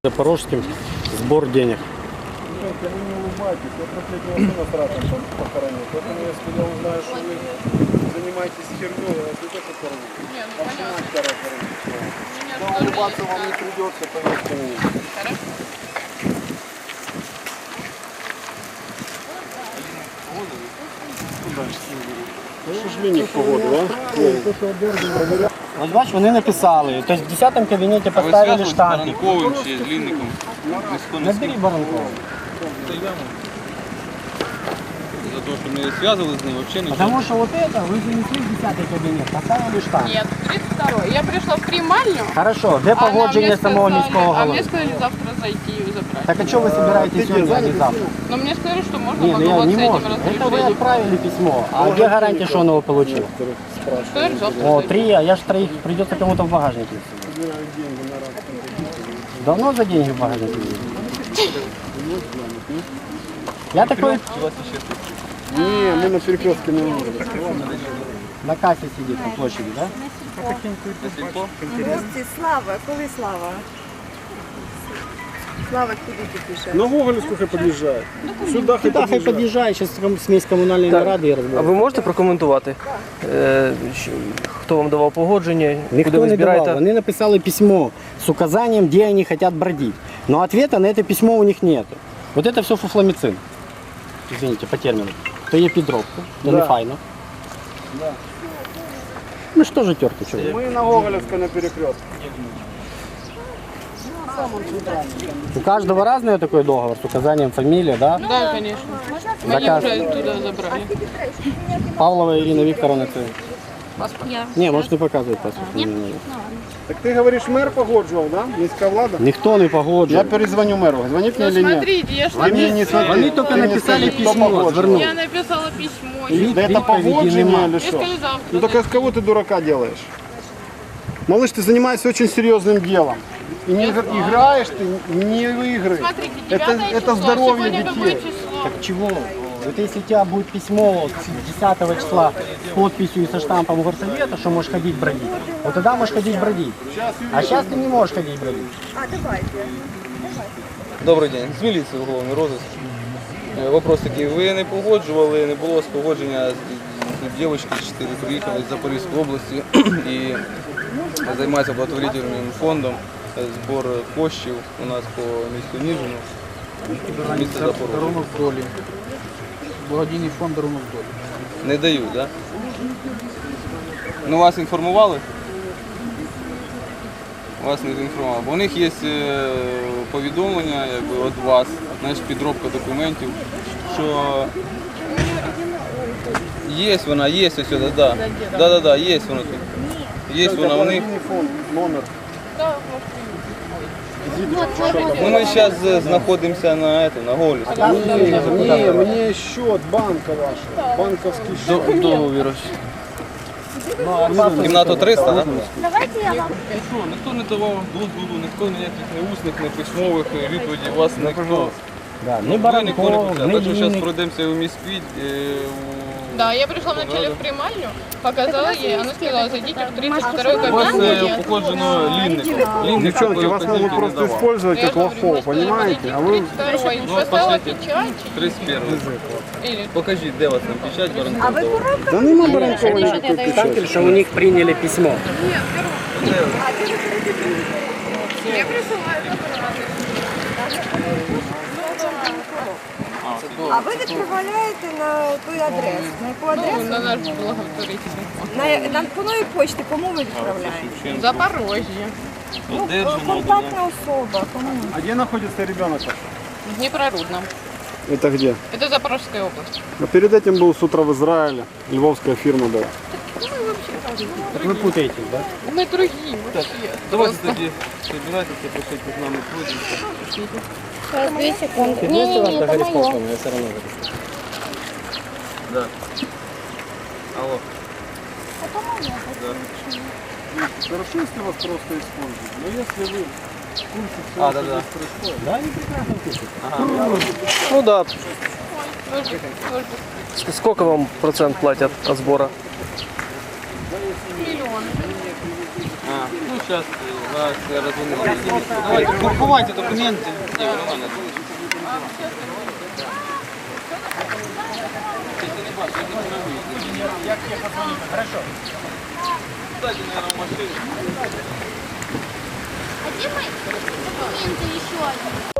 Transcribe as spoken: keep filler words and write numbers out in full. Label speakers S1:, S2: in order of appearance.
S1: Запорожским сбор денег.
S2: Вы не улыбайтесь, я трехлетнего сына с раком похоронил. Поэтому если я узнаю, что вы занимаетесь херней, я вас не только порву.
S3: Нет, ну
S2: А
S3: понятно.
S2: да, улыбаться вам не придется, поверьте мне.
S3: Хорошо.
S2: К сожалению, погода, да?
S1: Ось бач, вони написали. Тобто в десятому кабінеті поставили штампик.
S4: Баранковим чи з Лінником?
S1: Набери Баранкова.
S4: За те, що ми зв'язували з ним, взагалі нічого.
S1: Потому что вот это вы занесли в десятый кабинет, поставили штамп.
S3: Нет, тридцать второй. Я пришла в приймальню.
S1: Хорошо, де
S3: а нам
S1: погодження
S3: мне
S1: самого
S3: сказали-
S1: міського
S3: А мне
S1: голови?
S3: сказали завтра зайти ее забрать.
S1: Так а что вы собираетесь сегодня, а не завтра?
S3: Но мне сказали, что можно
S1: Не, ну я
S3: поговорить
S1: не
S3: с этим
S1: могу. Это вы
S3: разрешением.
S1: отправили письмо. А где гарантия, что он его получил?
S3: Сказали, завтра
S1: О,
S3: зайти.
S1: три, а я ж троих, придется кому-то в багажнике. Давно за деньги в багажнике есть? Я такой
S2: Не, мы на перекрестке не можем.
S1: на кассе сидит на площади, да?
S5: Хлопці, Слава, коли Слава? Слава куди ти пише?
S2: На Гоголевскую хай подъезжает. Сюда хай
S1: Да, хай
S2: подъезжает.
S1: подъезжай, сейчас смесь коммунальной нарады и
S6: А
S1: разберу.
S6: ви можете прокоментувати, е, щ- хто вам давав погодження, куди
S1: Никто
S6: ви
S1: не давал.
S6: збираєте?
S1: Они написали письмо с указанием, где они хотят бродить. Но ответа на это письмо у них нет. Вот это все фуфламицин. Извините, по термину. То є підробка, то не
S2: Да.
S1: файно. Ну что же терки, что?
S2: Мы на Гоголевской на перекрестке.
S1: У каждого разный такой договор с указанием фамилии, да?
S3: Да, конечно. Мы
S1: Заказ.
S3: уже туда забрали.
S1: Павлова Ирина Викторовна. Це...
S3: Паспорт.
S1: Не, может не показывать паспорт. Ні.
S2: Так ты говоришь, мэр погоджував, да? Міська влада?
S1: Ніхто не погоджує.
S2: Я перезвоню мэру. Звонит мне
S3: Ну
S2: или нет?
S3: смотрите, я ж
S2: Вы мне не смотрите.
S1: Вони тільки
S2: Ты мне
S1: написали
S2: скажи, кто
S1: письмо,
S2: погоджував?
S1: звернули.
S3: Я написала письмо.
S1: І
S2: Да это
S1: відповіді
S2: погоджение
S1: нема.
S2: или
S3: Я
S2: что?
S3: сказали завтра.
S2: Ну так а с кого ты дурака делаешь? Малыш, ты занимаешься очень серьезным делом. И не игр- играешь ты, не выигрываешь.
S3: Смотрите,
S2: Это,
S3: девятое
S2: это
S3: число.
S2: здоровье
S3: Сегодня какое
S2: детей.
S3: число?
S1: Так чего? Вот если у тебя будет письмо десятого числа с подписью и со штампом горсовета, что можешь ходить бродить, вот тогда можешь ходить бродить. А сейчас ты не можешь ходить бродить.
S5: А, давайте.
S4: Добрий день, з міліції уголовний розыск. Е, Вопрос такий, ви не погоджували, не було спогодження з з дівчинки, чотири приїхали з Запорізької області і займається благотворительним фондом, е, збор коштів у нас по місту Ніжину, місто Запорожжя.
S7: Дарунок долі. Благодійний фонд дарунок долі.
S4: Не дають, так? Да? Ну вас інформували? Вас не інформували. Бо у них є е, повідомлення якби, від вас, знаєш, підробка документів, що є вона, є ось сюди, да. Да, да, да, є вона тут. Є вона у них.
S2: Фонд, номер.
S3: Да,
S4: Ну ми зараз знаходимося на, это, на Голі.
S2: Не, мне счет банка ваша. Банковский счет.
S4: Договір. Кімнату триста, так? Да?
S5: Давайте я вам.
S4: Що, ніхто не давав дозволу, ніхто ніяких не усних, не письмових відповідей, вас ніхто.
S1: Да,
S4: Ну,
S1: ни
S4: ніхто не
S1: Баранков,
S4: писав.
S1: ни
S4: Так що зараз
S1: Линник.
S4: пройдемося у міськвідь.
S3: Да, я пришла вначале в примальню, показала ей, она сказала, зайдите в тридцать второй
S4: У вас
S3: кабинет.
S4: е, походжено лінником. Лінник
S2: Девчонки,
S4: такої
S2: вас могут
S4: вказівки не
S2: просто
S4: давав.
S2: использовать
S3: Я
S2: как
S3: говорю,
S2: лохов,
S3: мы сказали,
S2: понимаете? А вы
S3: подойдите к тридцать второй.
S4: Ну,
S3: Поставила
S4: пошлите.
S3: печать.
S4: тридцять перший.
S3: Или
S4: Покажіть, де у вас там печать
S5: А
S4: Баранкова.
S5: ви коробка?
S2: Да нема Баранкова никакой печати.
S1: Штампель, что у них приняли письмо.
S3: я присылаю документы.
S5: А ви відправляєте на той адрес? На яку
S3: Ну,
S5: адресу?
S3: на наш благотворительный фонд.
S5: На, на якої почти? Кому ви відправляєте?
S3: Запорожье.
S5: Ну, контактна особа. Кому?
S2: А где находится ребенок?
S3: В Днепрорудном.
S2: Это где?
S3: Это Запорожская область.
S2: А перед этим был с утра в Израиле. Львовская фирма была.
S1: Так вы путаете, да?
S3: Мы другие вообще.
S4: Давайте тоді собирайтеся, пишіть з нами пройдемо.
S8: Сейчас, две секунды.
S1: Ты
S8: Не,
S1: вместе
S8: не,
S1: вас
S8: не, это
S1: договорись,
S8: мое.
S1: я все равно говорю.
S4: Да. Алло.
S2: Хорошо, если вас просто используют. Но если вы в курсе всего,
S4: А,
S2: что
S4: да, да.
S2: здесь происходит,
S1: Да, они прекрасно пишут.
S6: Ну да.
S3: Тоже, тоже
S6: Ск- Сколько вам процент платят от сбора?
S3: миллион.
S4: А, ну зараз Вас розуміли. Давайте, ховайте документи. Ні, нормально.
S1: Хорошо.
S4: Кстати, наверное, в машине.
S8: А где мои документы еще один?